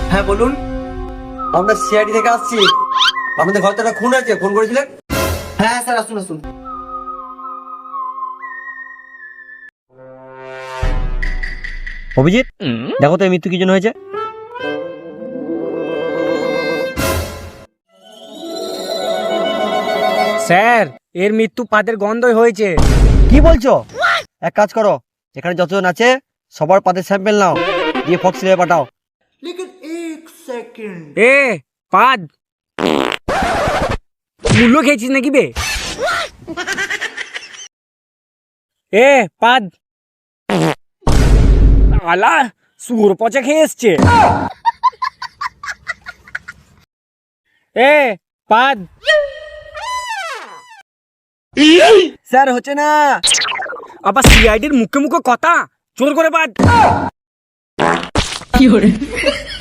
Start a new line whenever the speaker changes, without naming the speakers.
হ্যাঁ বলুন।
আমরা সিআইডি থেকে আসছি। আমাদের ঘরে তো একটা খুন আছে, ফোন করেছিলেন?
হ্যাঁ স্যার, আসুন আসুন।
অভিজিৎ, দেখো তো এই মৃত্যু কি জন্য হয়েছে।
স্যার, এর মৃত্যু পাদের গন্ধই হয়েছে।
কি বলছো? এক কাজ করো, এখানে যতজন আছে সবার পাদের স্যাম্পেল নাও, দিয়ে ফক্স ল্যাবে পাঠাও।
এ পাদ মূল্য খেয়েছিস নাকি বে? এ পাদ আলা সুর পচা খেয়ে এসছে। এ পাদ
স্যার হচ্ছে না।
আবার সিআইডির মুখে মুখে কথা, জোর করে পাদ।